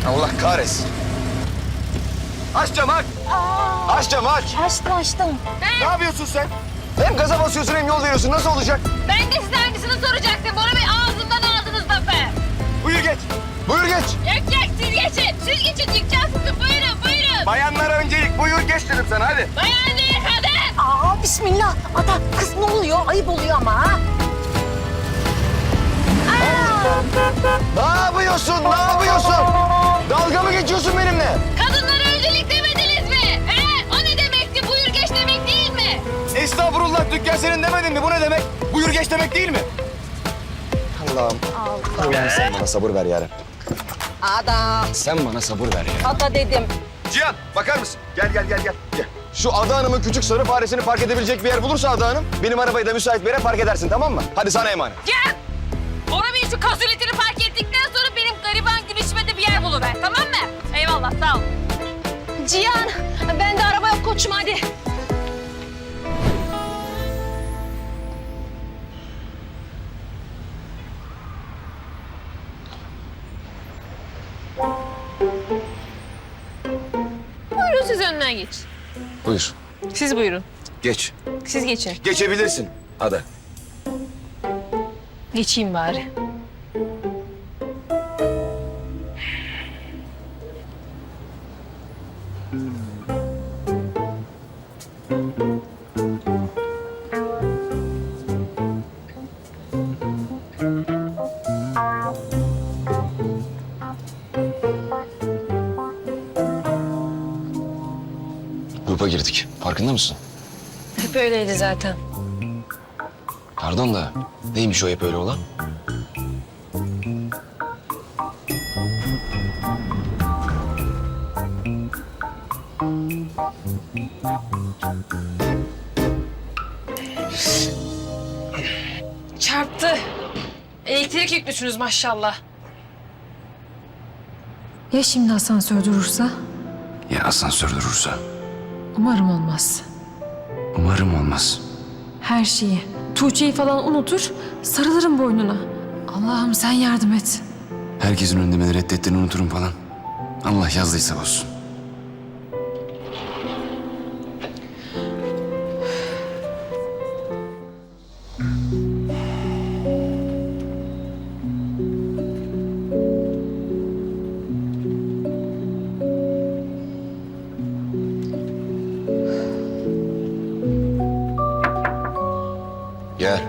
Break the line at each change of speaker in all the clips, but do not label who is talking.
Allah kahretsin. Aç camı aç. Aç camı aç.
Açtım.
Ne yapıyorsun sen? Hem gaza basıyorsun hem yol veriyorsun. Nasıl olacak?
Ben de size aynısını soracaktım. Bora Bey ağzından aldınız lafı.
Buyur geç. Buyur geç.
Yok siz geçin. Siz geçin dükkan sizin. Buyurun.
Bayanlara öncelik. Buyur geç dedim sana hadi.
Bayan değil kadın. Aa bismillah. Ada kız ne oluyor? Ayıp oluyor ama ha.
Ne yapıyorsun? Ne yapıyorsun? Dalga mı geçiyorsun benimle?
Kadınlara öncelik demediniz mi? He? O ne demekti? Buyur geç demek değil mi?
Estağfurullah dükkan senin demedin mi? Bu ne demek? Buyur geç demek değil mi? Allah'ım. Allah'ım sen bana sabır ver yarabbim.
Ada.
Sen bana sabır ver ya.
Ada dedim.
Cihan bakar mısın? Gel. Şu Ada Hanım'ın küçük sarı faresini park edebilecek bir yer bulursa Ada Hanım... ...benim arabayı da müsait bir yere park edersin tamam mı? Hadi sana emanet.
Gel. Bora Bey şu kazuletini park ettikten sonra benim gariban gülüşüme de bir yer buluver. Tamam mı? Eyvallah sağ ol. Cihan ben de araba yok koçum hadi. Buyurun siz önden geç.
Buyur.
Siz buyurun.
Geç.
Siz geçin.
Geçebilirsin Ada.
Geçeyim bari.
Grupa girdik. Farkında mısın?
Hep öyleydi zaten.
Pardon da neymiş o hep öyle olan?
Çarptı. Elektrik yüklüsünüz maşallah.
Ya şimdi asansör durursa?
Ya asansör durursa?
Umarım olmaz.
Umarım olmaz.
Her şeyi, Tuğçe'yi falan unutur, sarılırım boynuna. Allah'ım sen yardım et.
Herkesin önünde beni reddettiğini unuturum falan. Allah yazdıysa olsun. Gel.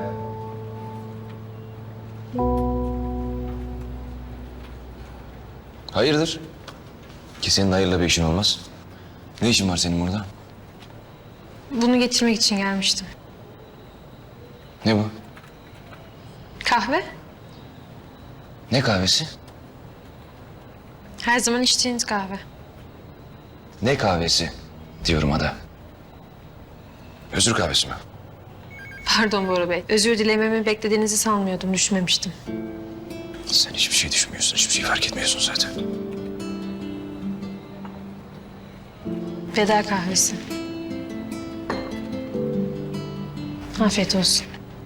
Hayırdır? Ki senin hayırla bir işin olmaz. Ne işin var senin burada?
Bunu getirmek için gelmiştim.
Ne bu?
Kahve?
Ne kahvesi?
Her zaman içtiğiniz kahve.
Ne kahvesi diyorum Ada. Özür kahvesi mi?
Pardon Bora Bey. Özür dilememi beklediğinizi sanmıyordum, düşünmemiştim.
Sen hiçbir şey düşünmüyorsun, hiçbir şey fark etmiyorsun zaten.
Veda kahvesi. Afiyet olsun.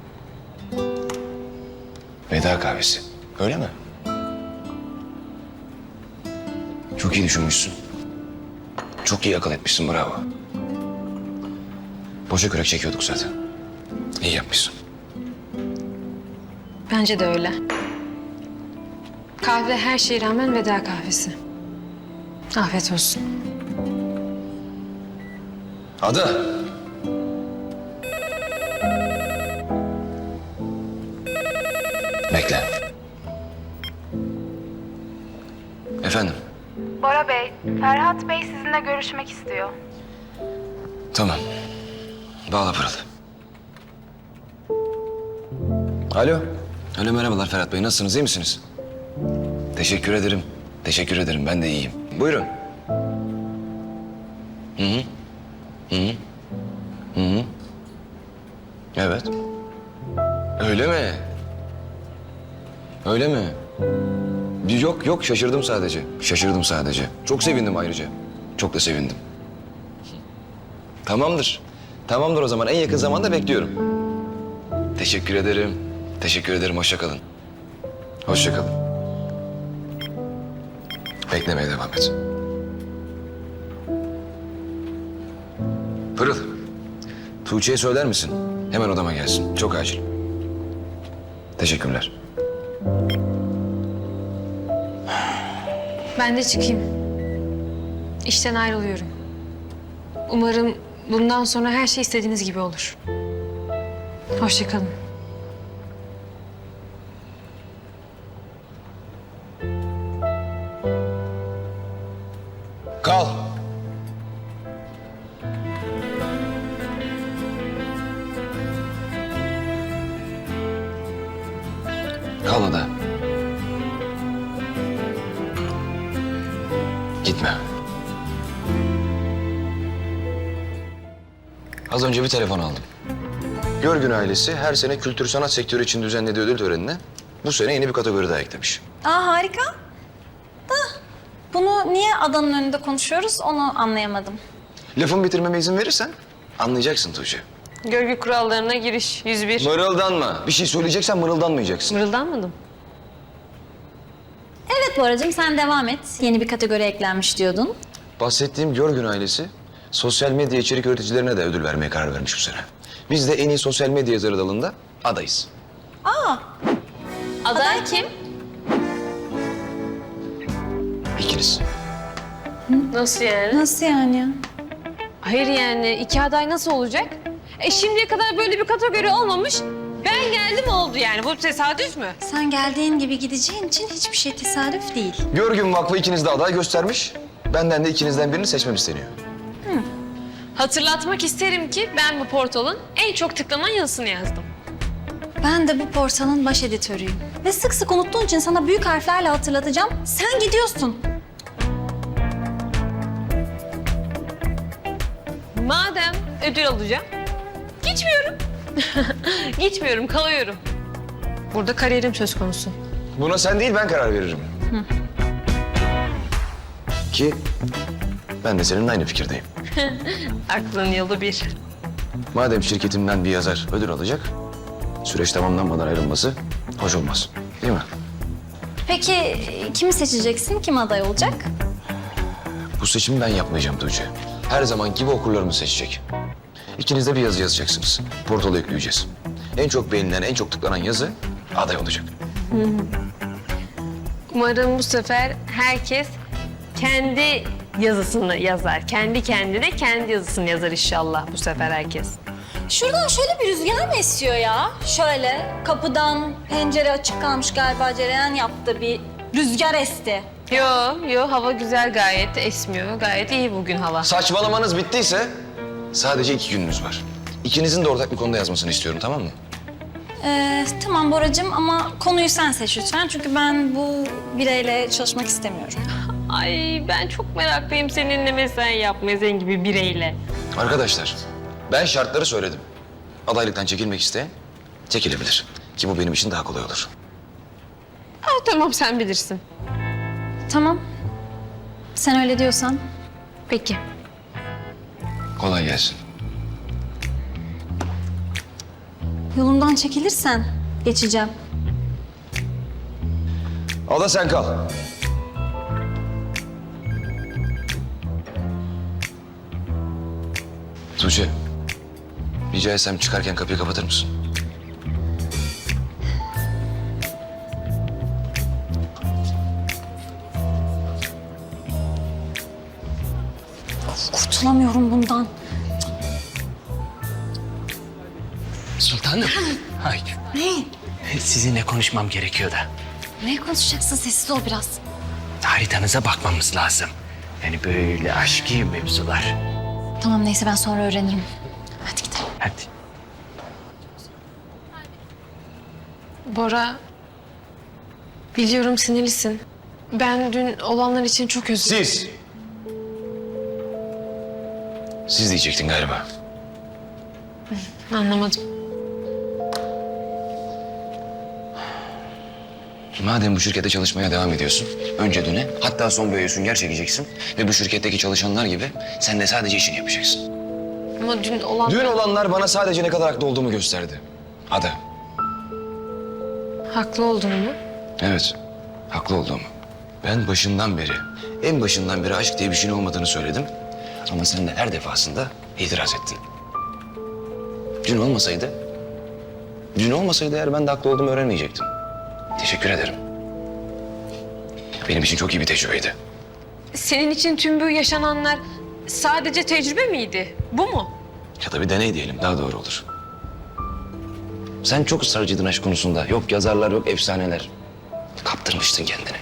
Veda kahvesi. Öyle mi? Çok iyi düşünmüşsün. Çok iyi akıl etmişsin, bravo. Boşa kürek çekiyorduk zaten. İyi yapmışsın.
Bence de öyle. Kahve her şeye rağmen veda kahvesi. Afiyet olsun.
Ada. Bekle. Efendim?
Bora Bey, Ferhat Bey sizinle görüşmek istiyor.
Tamam. Bağla Pırıl. Alo. Alo merhabalar Ferhat Bey. Nasılsınız? İyi misiniz? Teşekkür ederim. Teşekkür ederim. Ben de iyiyim. Buyurun. Hı hı. Hı hı. Hı hı. Evet. Öyle mi? Öyle mi? Yok şaşırdım sadece. Şaşırdım sadece. Çok sevindim ayrıca. Çok da sevindim. Tamamdır. Tamamdır o zaman. En yakın zamanda bekliyorum. Teşekkür ederim. Teşekkür ederim. Hoşça kalın. Hoşça kalın. Beklemeye devam et. Pırıl, Tuğçe'ye söyler misin? Hemen odama gelsin. Çok acil. Teşekkürler.
Ben de çıkayım. İşten ayrılıyorum. Umarım bundan sonra her şey istediğiniz gibi olur. Hoşça kalın.
Kal. Kal Ada. Gitme. Az önce bir telefon aldım. Görgün ailesi her sene kültür sanat sektörü için düzenlediği ödül törenine bu sene yeni bir kategori daha eklemiş.
Aa harika. Da bunu niye adanın önünde konuşuyoruz onu anlayamadım.
Lafımı bitirmeme izin verirsen anlayacaksın Tuğçe.
Görgü kurallarına giriş 101.
Mırıldanma. Bir şey söyleyeceksen mırıldanmayacaksın.
Mırıldanmadım.
Evet Boracığım sen devam et. Yeni bir kategori eklenmiş diyordun.
Bahsettiğim Görgün ailesi sosyal medya içerik üreticilerine de ödül vermeye karar vermiş bu sene. Biz de en iyi sosyal medya yazarı dalında adayız.
Aday kim?
İkiniz.
Nasıl yani?
Nasıl yani ya?
Hayır yani iki aday nasıl olacak? Şimdiye kadar böyle bir kategori olmamış. Ben geldim oldu yani. Bu tesadüf mü?
Sen geldiğin gibi gideceğin için hiçbir şey tesadüf değil.
Görgün Vakfı ikiniz de aday göstermiş. Benden de ikinizden birini seçmem isteniyor.
Hatırlatmak isterim ki ben bu portalın en çok tıklanan yazısını yazdım.
Ben de bu portalın baş editörüyüm. Ve sık sık unuttuğun için sana büyük harflerle hatırlatacağım. Sen gidiyorsun.
Madem ödül alacağım, gitmiyorum. Gitmiyorum, kalıyorum. Burada kariyerim söz konusu.
Buna sen değil ben karar veririm. Ki ben de seninle aynı fikirdeyim.
Aklın yolu bir.
Madem şirketimden bir yazar ödül alacak, süreç tamamlanmadan ayrılması hoş olmaz. Değil mi?
Peki kimi seçeceksin? Kim aday olacak?
Bu seçimi ben yapmayacağım Tuğçe. Her zaman gibi okurlarımız seçecek. İkiniz de bir yazı yazacaksınız. Portala yükleyeceğiz. En çok beğenilen, en çok tıklanan yazı aday olacak.
Umarım bu sefer herkes kendi yazısını yazar. Kendi kendine kendi yazısını yazar inşallah bu sefer herkes.
Şuradan şöyle bir rüzgar mı esiyor ya? Şöyle kapıdan pencere açık kalmış galiba cereyan yaptı bir rüzgar esti.
Yo hava güzel gayet esmiyor. Gayet iyi bugün hava.
Saçmalamanız bittiyse sadece 2 gününüz var. İkinizin de ortak bir konuda yazmasını istiyorum, tamam mı?
Tamam Boracığım ama konuyu sen seç lütfen. Çünkü ben bu bireyle çalışmak istemiyorum.
Ay ben çok meraklıyım seninle mesai yapmaya senin gibi bireyle.
Arkadaşlar, ben şartları söyledim. Adaylıktan çekilmek isteyen çekilebilir. Ki bu benim için daha kolay olur.
Tamam sen bilirsin.
Tamam. Sen öyle diyorsan.
Peki.
Kolay gelsin.
Yolumdan çekilirsen geçeceğim.
Ada sen kal. Tuğçe, rica etsem çıkarken kapıyı kapatır mısın?
Kurtulamıyorum bundan.
Sultanım. Ay,
Ne?
sizinle konuşmam gerekiyor da.
Ne konuşacaksın? Sessiz ol biraz.
Haritanıza bakmamız lazım. Yani böyle aşkı mevzular.
Tamam neyse ben sonra öğrenirim. Hadi gidelim.
Hadi.
Bora, biliyorum sinirlisin. Ben dün olanlar için çok özür dilerim.
Siz. Siz diyecektin galiba.
Anlamadım.
Madem bu şirkette çalışmaya devam ediyorsun, önce döne, hatta son boyaya sünger çekeceksin ve bu şirketteki çalışanlar gibi sen de sadece işini yapacaksın.
Ama dün olan...
Dün olanlar bana sadece ne kadar haklı olduğumu gösterdi. Ada.
Haklı olduğunu mu?
Evet, haklı olduğumu. Ben başından beri, en başından beri aşk diye bir şeyin olmadığını söyledim. Ama sen de her defasında itiraz ettin. Dün olmasaydı eğer ben de haklı olduğumu öğrenmeyecektim. Teşekkür ederim. Benim için çok iyi bir tecrübeydi.
Senin için tüm bu yaşananlar sadece tecrübe miydi? Bu mu?
Ya da bir deney diyelim, daha doğru olur. Sen çok ısrarcıydın aşk konusunda. Yok yazarlar, yok efsaneler. Kaptırmıştın kendini.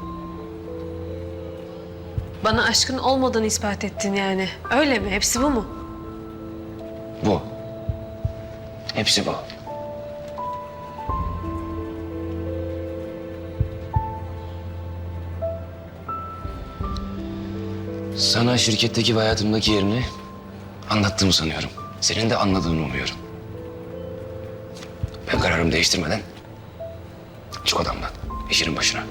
Bana aşkın olmadığını ispat ettin yani. Öyle mi? Hepsi bu mu?
Bu. Hepsi bu. Sana şirketteki ve hayatımdaki yerini anlattığımı sanıyorum. Senin de anladığını umuyorum. Ben kararımı değiştirmeden çık odamdan, işinin başına.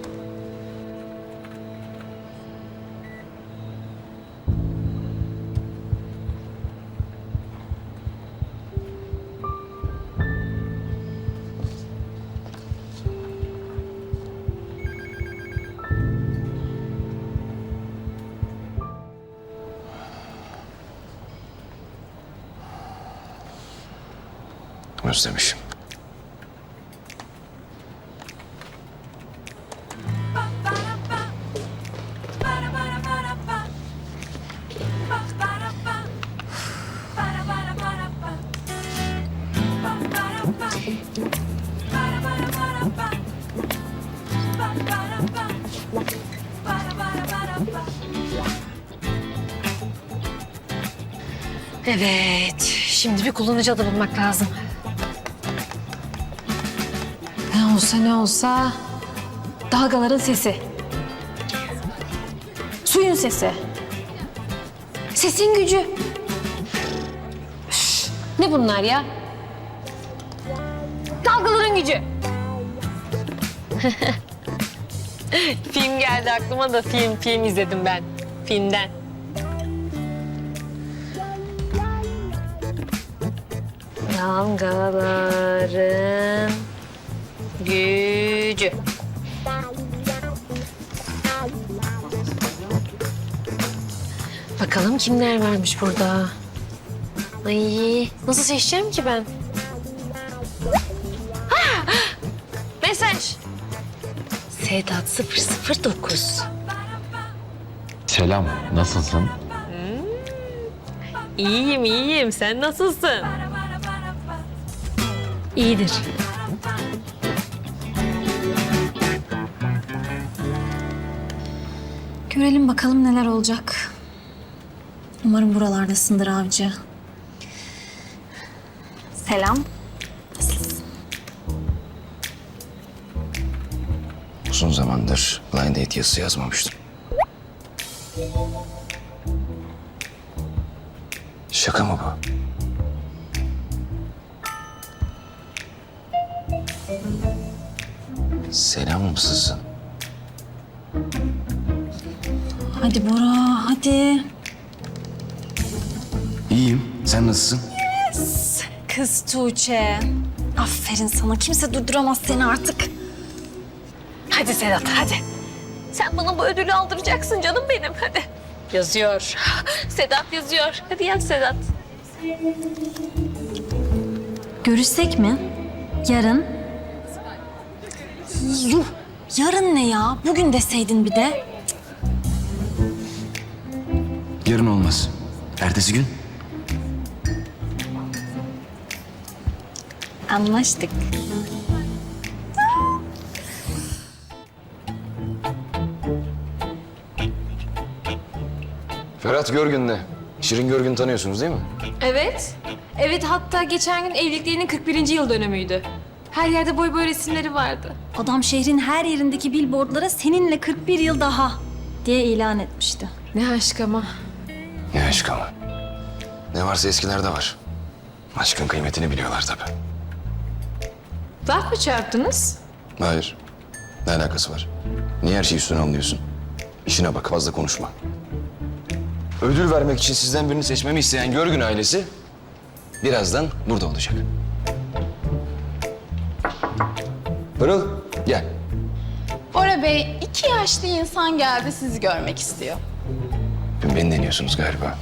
Özlemişim.
Evet. Şimdi bir kullanıcı adı bulmak lazım. Ne olsa dalgaların sesi. Suyun sesi. Sesin gücü. Üf, ne bunlar ya? Dalgaların gücü. Film geldi aklıma da film izledim ben. Filmden. Dalgaların gücü. Bakalım kimler varmış burada. Ay, nasıl seçeceğim ki ben? Ha! Mesaj. Sedat 009.
Selam, nasılsın?
İyiyim. Sen nasılsın? İyidir.
Görelim bakalım neler olacak. Umarım buralardasındır avcı. Selam.
Uzun zamandır blind date yazısı yazmamıştım. Şaka mı bu? Selam mısın?
Hadi Bora, hadi.
İyiyim. Sen nasılsın?
Kız Tuğçe. Aferin sana. Kimse durduramaz seni artık.
Hadi Sedat, hadi. Sen bana bu ödülü aldıracaksın canım benim, hadi. Yazıyor. Sedat yazıyor. Hadi yaz Sedat.
Görüşsek mi? Yarın. Yuh. Yarın ne ya? Bugün deseydin bir de.
Yarın olmaz. Ertesi gün.
Anlaştık.
Ferhat Görgün'le. Şirin Görgün'ü tanıyorsunuz değil mi?
Evet. Evet, hatta geçen gün evliliklerinin 41. yıl dönümüydü. Her yerde boy boy resimleri vardı.
Adam şehrin her yerindeki billboardlara seninle 41 yıl daha diye ilan etmişti.
Ne aşk ama.
Ne aşk ama. Ne varsa eskilerde var. Aşkın kıymetini biliyorlar tabii.
Laf mı çarptınız?
Hayır. Ne alakası var? Niye her şeyi üstüne alıyorsun? İşine bak, fazla konuşma. Ödül vermek için sizden birini seçmemi isteyen Görgün ailesi birazdan burada olacak. Pırıl, gel.
Bora
Bora Bey, 2 yaşlı insan geldi sizi görmek istiyor.
Beni deniyorsunuz galiba.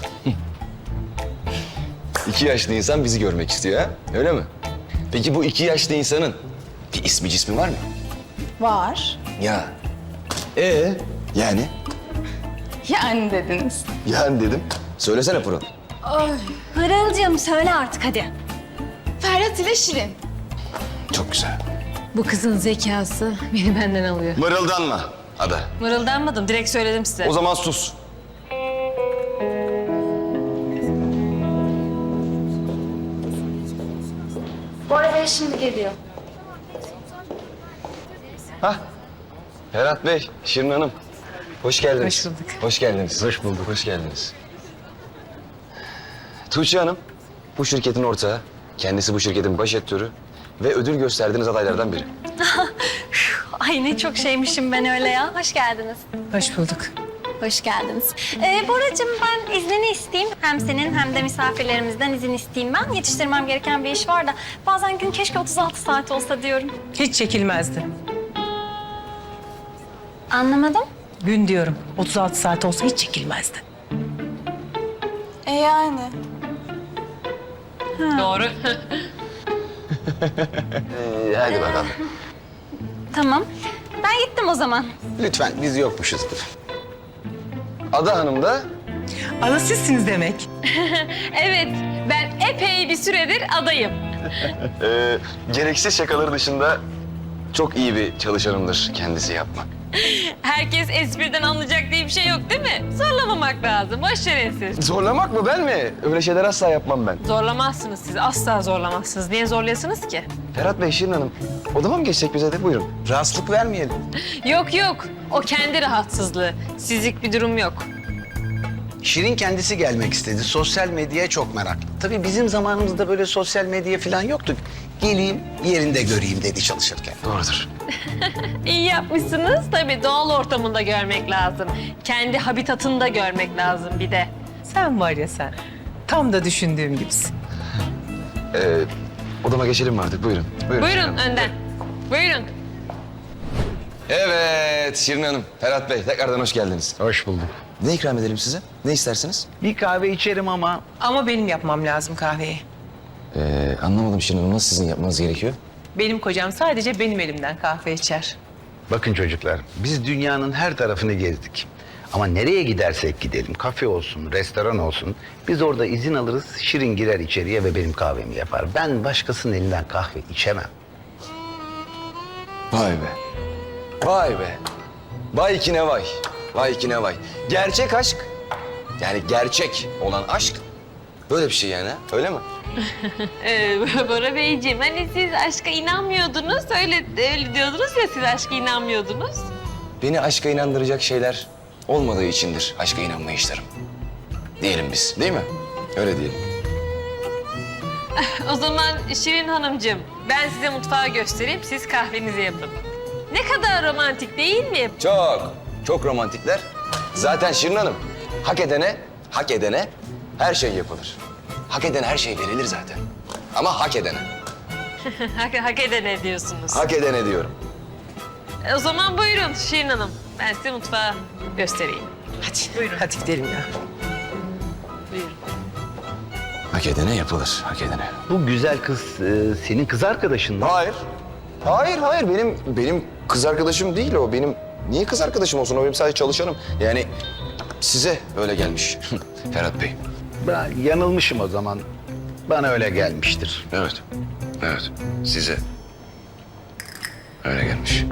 2 yaşlı insan bizi görmek istiyor ha? Öyle mi? Peki bu 2 yaşlı insanın bir ismi cismi var mı?
Var.
Ya. Yani?
Yani dediniz.
Yani dedim. Söylesene Pırıl.
Pırıl'cığım söyle artık hadi.
Ferhat ile Şirin.
Çok güzel.
Bu kızın zekası beni benden alıyor.
Mırıldanma Ada.
Mırıldanmadım, direkt söyledim size.
O zaman sus.
Bora Bey şimdi geliyor.
Ferhat Bey, Şirin Hanım. Hoş geldiniz.
Hoş bulduk.
Hoş geldiniz. Hoş bulduk. Hoş geldiniz. Tuğçe Hanım, bu şirketin ortağı. Kendisi bu şirketin baş etörü ve ödül gösterdiğiniz adaylardan biri.
Ay ne çok şeymişim ben öyle ya. Hoş geldiniz.
Hoş bulduk.
Hoş geldiniz. Boracığım ben iznini isteyeyim. Hem senin hem de misafirlerimizden izin isteyeyim ben. Yetiştirmem gereken bir iş var da bazen gün keşke 36 saat olsa diyorum.
Hiç çekilmezdi.
Anlamadım.
Gün diyorum. 36 saat olsa hiç çekilmezdi.
Yani.
Doğru.
Hadi bakalım.
Tamam. Ben gittim o zaman.
Lütfen, biz yokmuşuzdur. Ada Hanım da
Ada sizsiniz demek.
Evet, ben epey bir süredir adayım.
gereksiz şakaları dışında çok iyi bir çalışanımdır kendisi yapmak.
Herkes espriden anlayacak diye bir şey yok değil mi? Zorlamamak lazım, boş verin siz.
Zorlamak mı, ben mi? Öyle şeyler asla yapmam ben.
Zorlamazsınız siz, asla zorlamazsınız. Niye zorlayasınız ki?
Ferhat Bey, Şirin Hanım, odama mı geçsek bize de? Buyurun. Rahatsızlık vermeyelim.
Yok yok, o kendi rahatsızlığı. Sizlik bir durum yok.
Şirin kendisi gelmek istedi. Sosyal medyaya çok meraklı. Tabii bizim zamanımızda böyle sosyal medya falan yoktu. Geleyim, yerinde göreyim dedi çalışırken.
Doğrudur.
İyi yapmışsınız. Tabii doğal ortamında görmek lazım. Kendi habitatında görmek lazım bir de.
Sen var ya sen. Tam da düşündüğüm gibisin.
Odama geçelim mi artık? Buyurun. Buyurun.
Buyurun önden. Buyurun.
Evet, Şirin Hanım, Ferhat Bey, tekrardan hoş geldiniz.
Hoş bulduk.
Ne ikram edelim size? Ne istersiniz?
Bir kahve içerim ama
Ama benim yapmam lazım kahveyi.
Anlamadım Şirin Hanım, nasıl sizin yapmanız gerekiyor?
Benim kocam sadece benim elimden kahve içer.
bakın çocuklar, biz dünyanın her tarafını gezdik. Ama nereye gidersek gidelim, kafe olsun, restoran olsun, biz orada izin alırız, Şirin girer içeriye ve benim kahvemi yapar. Ben başkasının elinden kahve içemem.
Vay be. Vay be. Vay ki ne vay. Vay ki ne vay. Gerçek aşk, yani gerçek olan aşk böyle bir şey yani, ha? Öyle mi?
Bora Beyciğim, hani siz aşka inanmıyordunuz. Öyle diyordunuz ya, siz aşka inanmıyordunuz.
Beni aşka inandıracak şeyler olmadığı içindir aşka inanmayışlarım. Diyelim biz, değil mi? Öyle diyelim.
O zaman Şirin Hanımcığım, ben size mutfağı göstereyim, siz kahvenizi yapın. Ne kadar romantik değil mi?
Çok, çok romantikler. Zaten Şirin Hanım, hak edene her şey yapılır. Hak edene her şey verilir zaten. Ama hak edene.
Hak edene diyorsunuz.
Hak edene diyorum.
O zaman buyurun Şirin Hanım, ben size mutfağı göstereyim.
Hadi buyurun. Hadi gidelim ya.
Buyurun.
Hak edene yapılır, hak edene.
Bu güzel kız senin kız arkadaşın mı?
Hayır. Hayır. Benim kız arkadaşım değil o. Niye kız arkadaşım olsun? O benim sadece çalışanım. Yani size öyle gelmiş Ferhat Bey.
Ben yanılmışım o zaman. Bana öyle gelmiştir.
Evet. Size öyle gelmiş.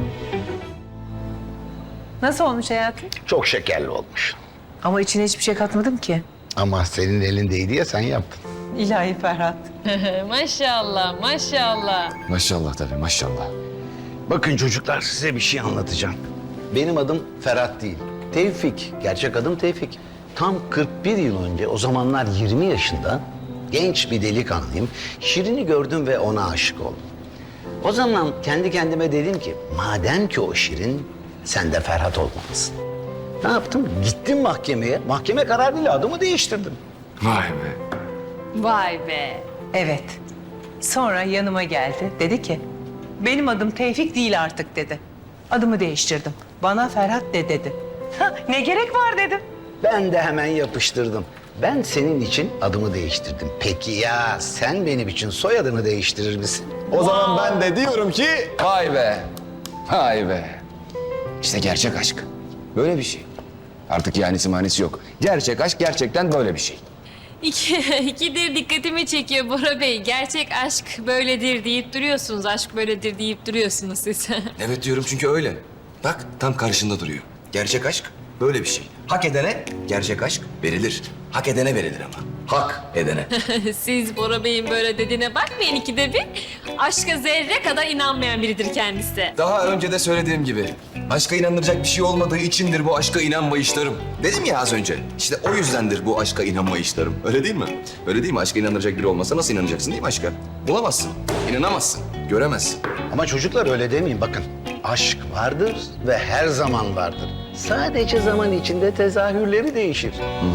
Nasıl olmuş hayatım?
Çok şekerli olmuş.
Ama içine hiçbir şey katmadım ki.
Ama senin elindeydi ya sen yaptın.
İlahi Ferhat.
Maşallah, maşallah.
Maşallah tabii, maşallah.
Bakın çocuklar size bir şey anlatacağım. Benim adım Ferhat değil. Tevfik. Gerçek adım Tevfik. Tam 41 yıl önce o zamanlar 20 yaşında genç bir delikanlıyım. Şirin'i gördüm ve ona aşık oldum. O zaman kendi kendime dedim ki madem ki o Şirin sen de Ferhat olmalısın. Ne yaptım? Gittim mahkemeye. Mahkeme kararıyla adımı değiştirdim.
Vay be.
Vay be.
Evet. Sonra yanıma geldi. Dedi ki benim adım Tevfik değil artık dedi. Adımı değiştirdim. Bana Ferhat de dedi. Ne gerek var dedim.
Ben de hemen yapıştırdım. Ben senin için adımı değiştirdim. Peki ya sen benim için soyadını değiştirir misin?
O zaman ben de diyorum ki vay be. Vay be. İşte gerçek aşk. Böyle bir şey. Artık yanisi manisi yok. Gerçek aşk gerçekten böyle bir şey.
İkidir dikkatimi çekiyor Bora Bey. Gerçek aşk böyledir deyip duruyorsunuz. Aşk böyledir deyip duruyorsunuz siz.
Evet diyorum çünkü öyle. Bak tam karşında duruyor. Gerçek aşk böyle bir şey. Hak edene gerçek aşk verilir. Hak edene verilir ama. Hak edene.
Siz Bora Bey'in böyle dediğine bakmayın ikide bir. Aşka zerre kadar inanmayan biridir kendisi.
Daha önce de söylediğim gibi aşka inanılacak bir şey olmadığı içindir bu aşka inanmayışlarım. Dedim ya az önce. İşte o yüzdendir bu aşka inanmayışlarım. Öyle değil mi? Öyle değil mi? Aşka inanılacak biri olmasa nasıl inanacaksın değil mi aşka? Bulamazsın, inanamazsın, göremezsin.
Ama çocuklar öyle demeyin bakın. Aşk vardır ve her zaman vardır. Sadece zaman içinde tezahürleri değişir.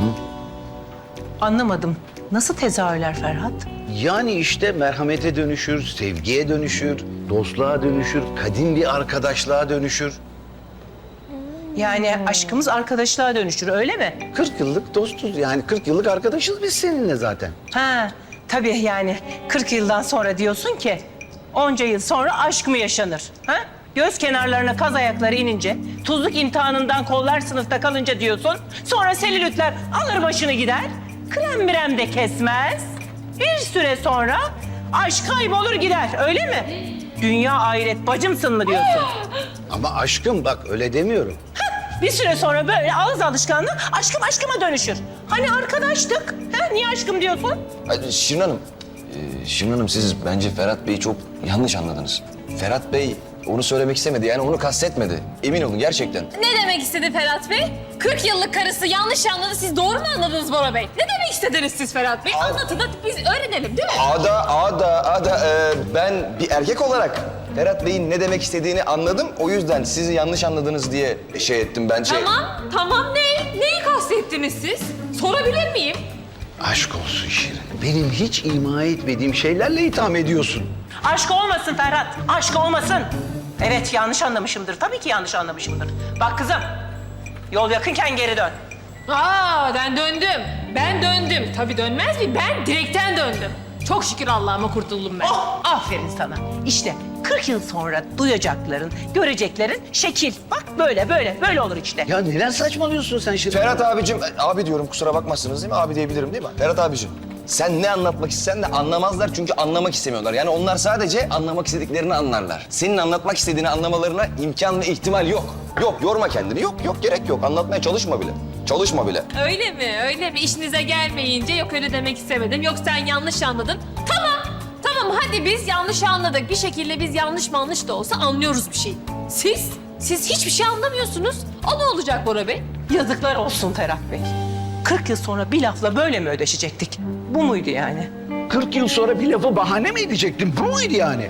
Anlamadım. Nasıl tezahürler Ferhat?
Yani işte merhamete dönüşür, sevgiye dönüşür, dostluğa dönüşür, kadim bir arkadaşlığa dönüşür.
Yani aşkımız arkadaşlığa dönüşür öyle mi?
40 yıllık dostuz yani 40 yıllık arkadaşız biz seninle zaten.
Ha, tabii yani 40 yıldan sonra diyorsun ki onca yıl sonra aşk mı yaşanır? Ha? Göz kenarlarına kaz ayakları inince, tuzluk imtihanından kollar sınıfta kalınca diyorsun. Sonra selülitler alır başını gider, krem mirem de kesmez. Bir süre sonra aşk kaybolur gider öyle mi? Dünya ahiret bacımsın mı diyorsun?
Ama aşkım bak öyle demiyorum.
Bir süre sonra böyle ağız alışkanlığı aşkım aşkıma dönüşür. Hani arkadaştık, ha? Niye aşkım diyorsun?
Ay, Şirin Hanım, Şirin Hanım siz bence Ferhat Bey'i çok yanlış anladınız. Ferhat Bey onu söylemek istemedi yani onu kastetmedi. Emin olun gerçekten.
Ne demek istedi Ferhat Bey? 40 yıllık karısı yanlış anladı. Siz doğru mu anladınız Bora Bey? Ne demek istediniz siz Ferhat Bey? Anlatın da biz öğrenelim değil mi?
Ben bir erkek olarak Ferhat Bey'in ne demek istediğini anladım. O yüzden sizi yanlış anladınız diye şey ettim ben.
Tamam ne? Neyi kastettiniz siz? Sorabilir miyim?
Aşk olsun Şirin. Benim hiç ima etmediğim şeylerle itham ediyorsun.
Aşk olmasın Ferhat, aşk olmasın. Evet yanlış anlamışımdır, tabii ki yanlış anlamışımdır. Bak kızım, yol yakınken geri dön.
Ben döndüm. Ben döndüm. Tabii dönmez mi? Ben direkten döndüm. Çok şükür Allah'ıma kurtuldum ben.
Oh, aferin sana. İşte 40 yıl sonra duyacakların, göreceklerin şekil. Bak böyle olur işte.
Ya neden saçmalıyorsun sen Şirin?
Ferhat abicim, abi diyorum kusura bakmazsınız değil mi? Abi diyebilirim değil mi? Ferhat abicim. Sen ne anlatmak istesen de anlamazlar çünkü anlamak istemiyorlar. Yani onlar sadece anlamak istediklerini anlarlar. Senin anlatmak istediğini anlamalarına imkan ve ihtimal yok. Yok, yorma kendini. Yok, gerek yok. Anlatmaya çalışma bile. Çalışma bile.
Öyle mi? İşinize gelmeyince yok öyle demek istemedim. Yok sen yanlış anladın. Tamam hadi biz yanlış anladık. Bir şekilde biz yanlış da olsa anlıyoruz bir şey. Siz hiçbir şey anlamıyorsunuz. O ne olacak Bora Bey?
Yazıklar olsun Ferhat Bey. 40 yıl sonra bir lafla böyle mi ödeşecektik? Bu muydu yani?
40 yıl sonra bir lafı bahane mi edecektin? Bu muydu yani?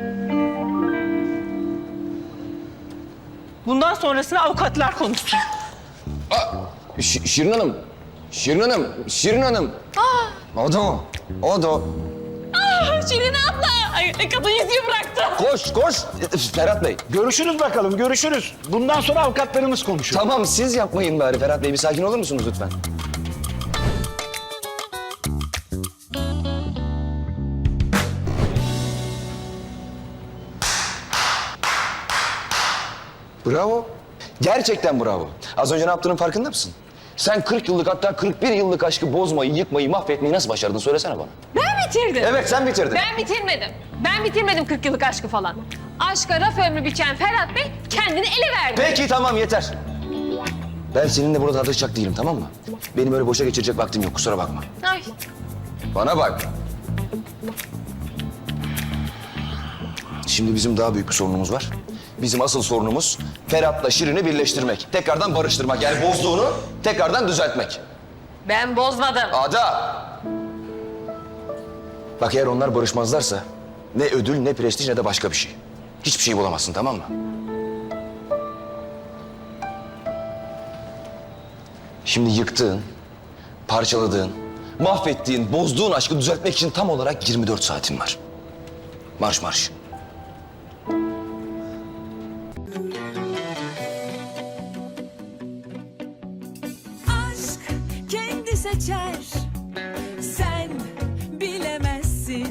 Bundan sonrasını avukatlar konuşsun.
Şirin Hanım. O da.
Şirin abla. Ay, kadın yüzüğü bıraktı.
Koş. Ferhat Bey.
Görüşürüz bakalım, görüşürüz. Bundan sonra avukatlarımız konuşur.
Tamam siz yapmayın bari Ferhat Bey. Bir sakin olur musunuz lütfen? Bravo. Gerçekten bravo. Az önce ne yaptığının farkında mısın? Sen 40 yıllık hatta 41 yıllık aşkı bozmayı, yıkmayı, mahvetmeyi nasıl başardın? Söylesene bana.
Ben bitirdim.
Evet sen bitirdin.
Ben bitirmedim 40 yıllık aşkı falan. Aşka raf ömrü biçen Ferhat Bey kendini ele verdi.
Peki tamam yeter. Ben seninle burada tartışacak değilim tamam mı? Benim öyle boşa geçirecek vaktim yok kusura bakma.
Ay.
Bana bak. Şimdi bizim daha büyük bir sorunumuz var. Bizim asıl sorunumuz Ferhat'la Şirin'i birleştirmek. Tekrardan barıştırmak. Yani bozduğunu tekrardan düzeltmek.
Ben bozmadım.
Ada! Bak eğer onlar barışmazlarsa ne ödül, ne prestij, ne de başka bir şey. Hiçbir şey bulamazsın tamam mı? Şimdi yıktığın, parçaladığın, mahvettiğin, bozduğun aşkı düzeltmek için tam olarak 24 saatin var. Marş.
seçer